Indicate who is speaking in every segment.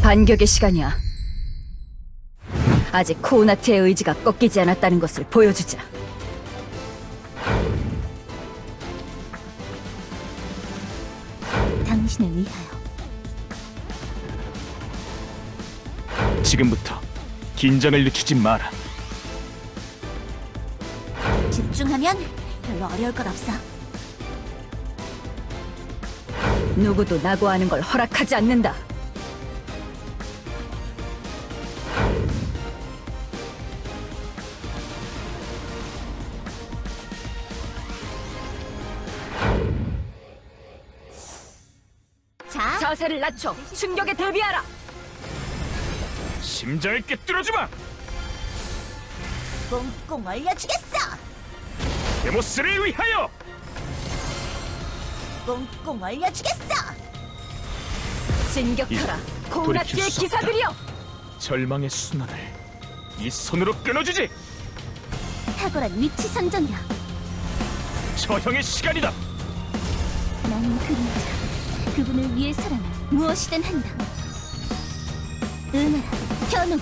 Speaker 1: 반격의 시간이야. 아직 코우나트의 의지가 꺾이지 않았다는 것을 보여주자.
Speaker 2: 당신을 위하여.
Speaker 3: 지금부터 긴장을 늦추지 마라.
Speaker 2: 집중하면 별로 어려울 것 없어.
Speaker 1: 누구도 낙오하는 걸 허락하지 않는다.
Speaker 2: 자,
Speaker 1: 자세를 낮춰 충격에 대비하라.
Speaker 3: 심장을 꿰뚫어주마.
Speaker 2: 꽁꽁 얼려주겠어.
Speaker 3: 데모스를 위하여.
Speaker 2: 꽁꽁 얼려주겠어.
Speaker 1: 진격하라.
Speaker 3: 돌이킬
Speaker 1: 코우나트의
Speaker 3: 수 없다.
Speaker 1: 기사들이여.
Speaker 3: 절망의 순환을 이 손으로 끊어주지.
Speaker 2: 탁월한 위치 선정이야.
Speaker 3: 처형의 시간이다.
Speaker 2: 나는 그림자. 그분을 위해서라면 무엇이든 한다. 응하라, 현우.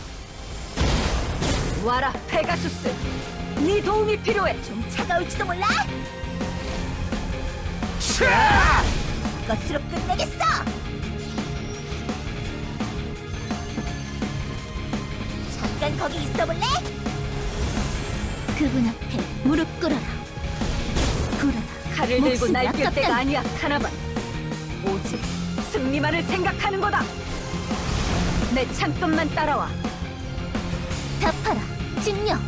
Speaker 1: 와라, 페가수스. 네 도움이 필요해.
Speaker 2: 좀 차가울지도 몰라.
Speaker 3: 차!
Speaker 2: 것으로 끝내겠어. 잠깐 거기 있어볼래? 그분 앞에 무릎 꿇어라. 굴어라.
Speaker 1: 칼을 들고
Speaker 2: 목숨이
Speaker 1: 날뛸
Speaker 2: 아깝다니.
Speaker 1: 때가 아니야, 카나반. 오직 승리만을 생각하는 거다. 내 창끝만 따라와.
Speaker 2: 답하라, 진녀.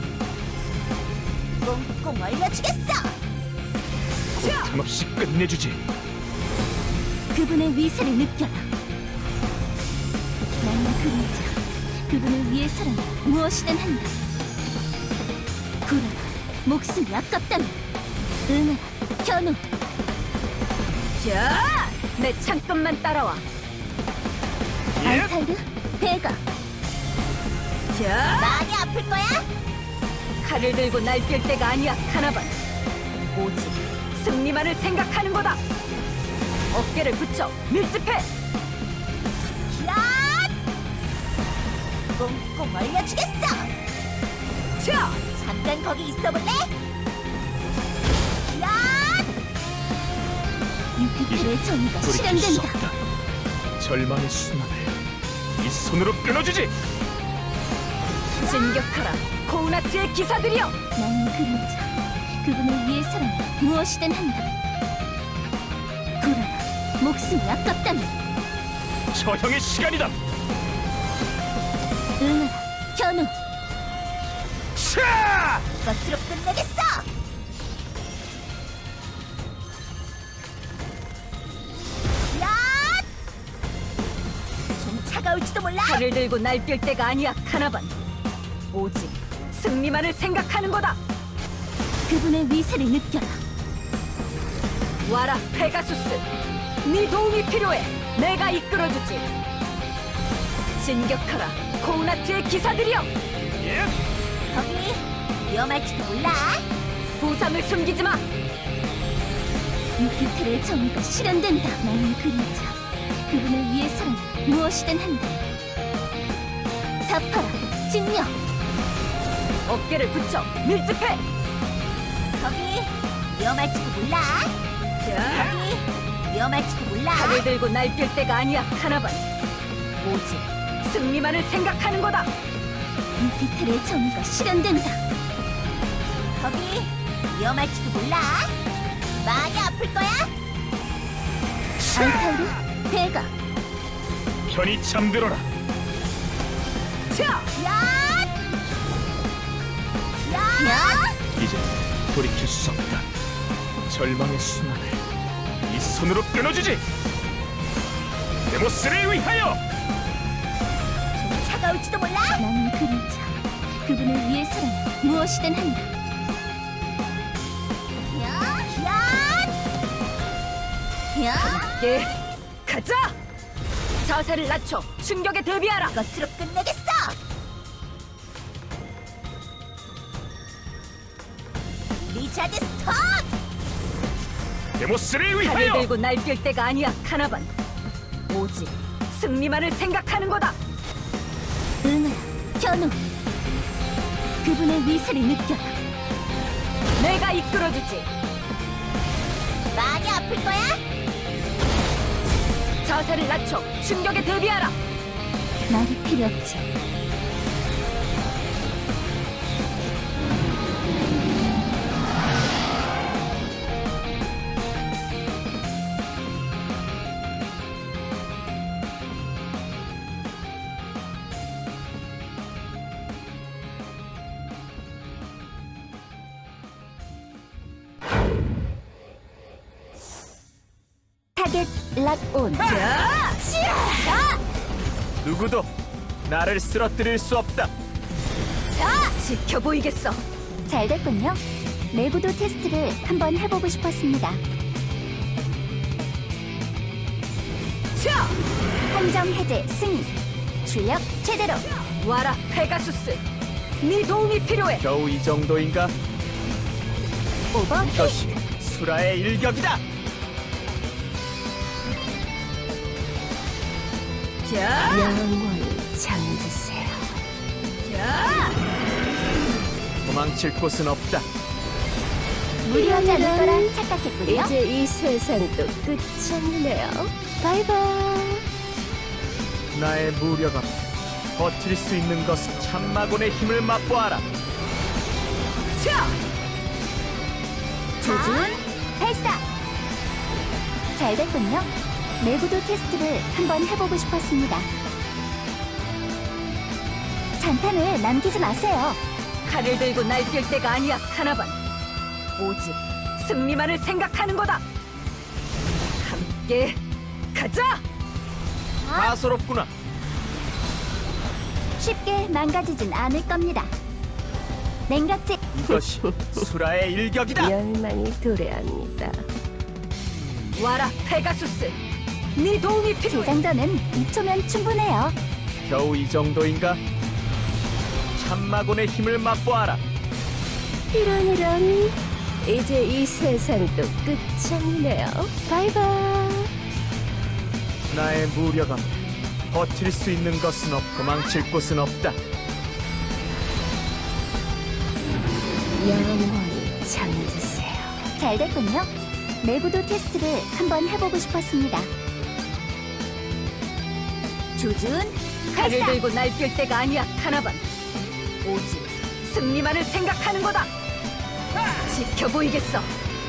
Speaker 2: 꽁꽁 얼려주겠어.
Speaker 1: 자!
Speaker 3: 잠없이 끝내주지.
Speaker 2: 그분의 위세를 느껴라. 나는 그림자. 그분을 위해서라면 무엇이든 한다. 굴어라. 목숨이 아깝다면. 응하라. 현우.
Speaker 1: 자! 내 창끝만 따라와.
Speaker 3: 예?
Speaker 2: 알타이르. 베가.
Speaker 1: 자!
Speaker 2: 많이 아플 거야?
Speaker 1: 칼을 들고 날뛸 때가 아니야, 카나반. 오직 승리만을 생각하는 거다. 어깨를 붙여 밀집해.
Speaker 2: 야! 꽁꽁 얼려주겠어.
Speaker 1: 자!
Speaker 2: 잠깐 거기 있어볼래? 야! 유피тер의 정의가
Speaker 3: 돌이킬 수
Speaker 2: 실현된다.
Speaker 3: 없다. 절망의 순환을 이 손으로 끊어주지.
Speaker 1: 진격하라, 코우나트의 기사들이여.
Speaker 2: 나는 그림자. 그분을 위해서라면 무엇이든 한다. 굴어라. 목숨이 아깝다면.
Speaker 3: 처형의 시간이다.
Speaker 2: 응하라. 현우.
Speaker 3: 차!
Speaker 2: 것으로 끝내겠어. 야! 좀 차가울지도 몰라.
Speaker 1: 칼을 들고 날뛸 때가 아니야, 카나반. 오직 승리만을 생각하는 거다.
Speaker 2: 그분의 위세를 느껴라.
Speaker 1: 와라, 페가수스. 네 도움이 필요해. 내가 이끌어주지. 진격하라, 코우나트의 기사들이여.
Speaker 3: 예?
Speaker 2: 거기 위험할지도 몰라.
Speaker 1: 부상을 숨기지 마.
Speaker 2: 유피텔의 정의가 실현된다. 나는 그림자. 그분을 위해서라면 무엇이든 한다. 답하라. 진녀.
Speaker 1: 어깨를 붙여 밀집해.
Speaker 2: 거기 위험할지도 몰라.
Speaker 1: 자,
Speaker 2: 거기 위험할지도 몰라.
Speaker 1: 칼을 들고 날뛸 때가 아니야, 카나반. 오직 승리만을 생각하는 거다.
Speaker 2: 유피텔의 정의가 실현된다. 거기 위험할지도 몰라. 많이 아플 거야. 알타이르. 베가.
Speaker 3: 편히 잠들어라.
Speaker 1: 자,
Speaker 2: 야! 야!
Speaker 3: 이제 돌이킬 수 없다. 절망의 순환을 이 손으로 끊어주지. 데모스를 위하여.
Speaker 2: 좀 차가울지도 몰라. 나는 그림자. 그분을 위해서라면 무엇이든 한다. 야! 야! 야!
Speaker 1: 예, 가자. 자세를 낮춰 충격에 대비하라.
Speaker 2: 것으로 끝내겠어. 리차드 스톤.
Speaker 3: 데모스를
Speaker 1: 칼을
Speaker 3: 위하여.
Speaker 1: 들고 날뛸 때가 아니야, 카나반. 오직 승리만을 생각하는 거다.
Speaker 2: 응아라, 현우. 그분의 위세를 느껴라.
Speaker 1: 내가 이끌어주지.
Speaker 2: 많이 아플 거야?
Speaker 1: 자세를 낮춰 충격에 대비하라.
Speaker 2: 말이 필요 없지. 타겟 락온.
Speaker 3: 누구도 나를 쓰러뜨릴 수 없다.
Speaker 1: 지켜 보이겠어.
Speaker 2: 잘 됐군요. 내구도 테스트를 한번 해보고 싶었습니다.
Speaker 1: 자,
Speaker 2: 함정 해제 승인. 출력 최대로.
Speaker 1: 와라 페가수스. 네 도움이 필요해.
Speaker 3: 겨우 이 정도인가?
Speaker 2: 오버 히.
Speaker 3: 이것이 수라의 일격이다.
Speaker 1: 자,
Speaker 2: 영원히 잠드세요.
Speaker 1: 자,
Speaker 3: 도망칠 곳은 없다.
Speaker 2: 무리하지 않을 거라 착각했군요.
Speaker 4: 이제 이 세상도 끝장이네요. 바이바이.
Speaker 3: 나의 무력 앞에 버틸 수 있는 것은 참마곤의 힘을 맛보아라.
Speaker 1: 자,
Speaker 2: 조준 발사. 잘 됐군요. 내구도 테스트를 한번 해보고 싶었습니다. 잔탄을 남기지 마세요.
Speaker 1: 칼을 들고 날뛸 때가 아니야, 카나반. 오직 승리만을 생각하는 거다. 함께 가자.
Speaker 3: 가소롭구나.
Speaker 2: 쉽게 망가지진 않을 겁니다. 냉각제
Speaker 3: 이것이 수라의 일격이다.
Speaker 4: 열망이 도래합니다.
Speaker 1: 와라 페가수스. 네 도움이 필요해.
Speaker 2: 재장전은 2초면 충분해요.
Speaker 3: 겨우 이 정도인가? 참마곤의 힘을 맛보아라.
Speaker 4: 이런. 이제 이 세상도 끝장이네요. 바이바이.
Speaker 3: 나의 무력 앞에 버틸 수 있는 것은 없고 도망칠 곳은 없다.
Speaker 4: 영원히 잠드세요.
Speaker 2: 잘 됐군요. 내구도 테스트를 한번 해보고 싶었습니다. 조준
Speaker 1: 칼을
Speaker 2: 발사.
Speaker 1: 들고 날뛸 때가 아니야, 카나반. 오직 승리만을 생각하는 거다. 지켜 보이겠어.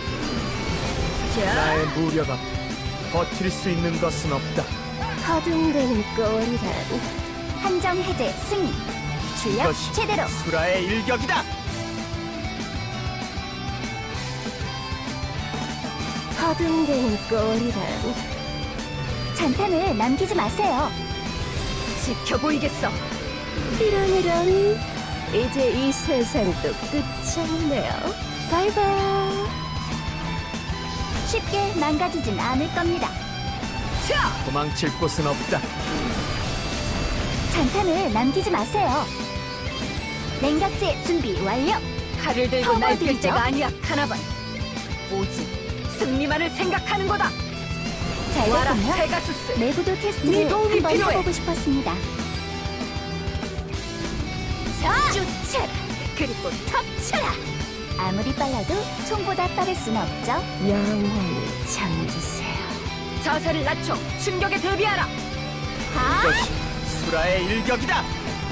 Speaker 1: 자,
Speaker 3: 나의 무력 앞에 버틸 수 있는 것은 없다.
Speaker 4: 허둥대는 꼴이란.
Speaker 2: 함정 해제 승인. 출력
Speaker 3: 이것이
Speaker 2: 최대로.
Speaker 3: 수라의 일격이다.
Speaker 4: 허둥대는 꼴이란.
Speaker 2: 잔탄을 남기지 마세요.
Speaker 1: 지켜 보이겠어.
Speaker 4: 이런. 이제 이 세상도 끝장이네요. 바이바이.
Speaker 2: 쉽게 망가지진 않을 겁니다.
Speaker 1: 자,
Speaker 3: 도망칠 곳은 없다.
Speaker 2: 잔탄을 남기지 마세요. 냉각제 준비 완료.
Speaker 1: 칼을 들고 날뛸
Speaker 2: 터보드리죠?
Speaker 1: 때가 아니야, 카나반. 오직 승리만을 생각하는 거다.
Speaker 2: 잘
Speaker 1: 와라
Speaker 2: 됐군요.
Speaker 1: 페가수스.
Speaker 2: 내구도
Speaker 1: 네
Speaker 2: 테스트를
Speaker 1: 도움이
Speaker 2: 한번
Speaker 1: 필요해.
Speaker 2: 해보고 싶었습니다.
Speaker 1: 자, 쫓아라. 그리고 덮쳐라.
Speaker 2: 아무리 빨라도 총보다 빠를 순 없죠.
Speaker 4: 영원히 잠드세요.
Speaker 1: 자세를 낮춰 충격에 대비하라.
Speaker 3: 이것이 수라의 일격이다.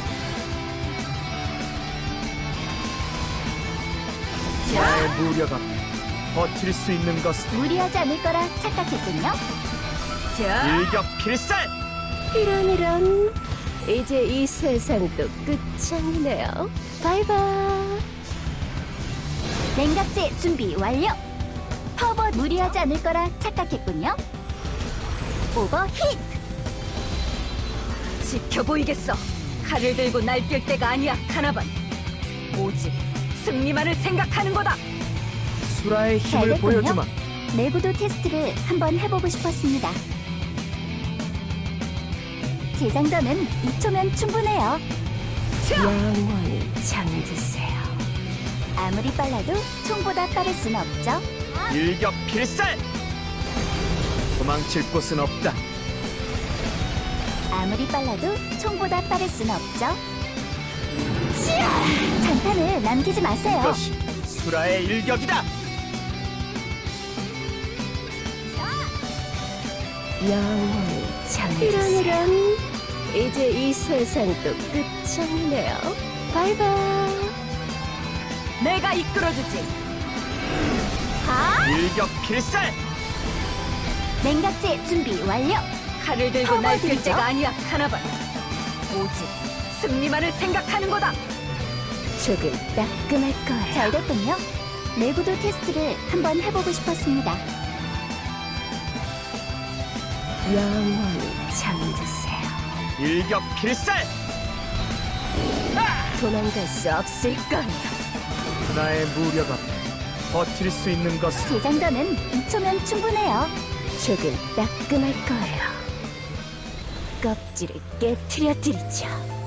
Speaker 3: 나의 무력 앞에 버틸 수 있는 것은
Speaker 2: 무리하지 않을 거라 착각했군요.
Speaker 1: 자,
Speaker 3: 일격 필살.
Speaker 4: 이런. 이제 이 세상도 끝장이네요. 바이바이.
Speaker 2: 냉각제 준비 완료. 퍼버 무리하지 않을 거라 착각했군요. 오버힛.
Speaker 1: 지켜 보이겠어. 칼을 들고 날뛸 때가 아니야, 카나반. 오직 승리만을 생각하는 거다.
Speaker 3: 수라의
Speaker 2: 잘
Speaker 3: 힘을
Speaker 2: 됐군요.
Speaker 3: 보여주마.
Speaker 2: 내구도 테스트를 한번 해보고 싶었습니다. 재장전은 2초면 충분해요.
Speaker 1: 자,
Speaker 4: 영원히 잠드세요.
Speaker 2: 아무리 빨라도 총보다 빠를 순 없죠.
Speaker 3: 일격 필살. 도망칠 곳은 없다.
Speaker 2: 아무리 빨라도 총보다 빠를 순 없죠. 치아! 잔탄을 남기지 마세요.
Speaker 3: 이것이 수라의 일격이다.
Speaker 4: 영원히 잠드세요. 이런 이제 이 세상도 끝장이네요. 바이바이.
Speaker 1: 내가 이끌어주지.
Speaker 3: 일격 필살.
Speaker 2: 냉각제 준비 완료.
Speaker 1: 칼을 들고 날뛸
Speaker 2: 터버들이죠?
Speaker 1: 때가 아니야, 카나반. 오직 승리만을 생각하는 거다.
Speaker 4: 조금 따끔할 거예요.
Speaker 2: 잘 됐군요. 내구도 테스트를 한번 해보고 싶었습니다.
Speaker 4: 영원히 잠드세요.
Speaker 3: 일격 필살.
Speaker 4: 도망갈 수 없을 거예요.
Speaker 3: 나의 무력 앞에 버틸 수 있는 것은
Speaker 2: 재장전은 2초면 충분해요.
Speaker 4: 조금 따끔할 거예요. 껍질을 깨트려 드리죠.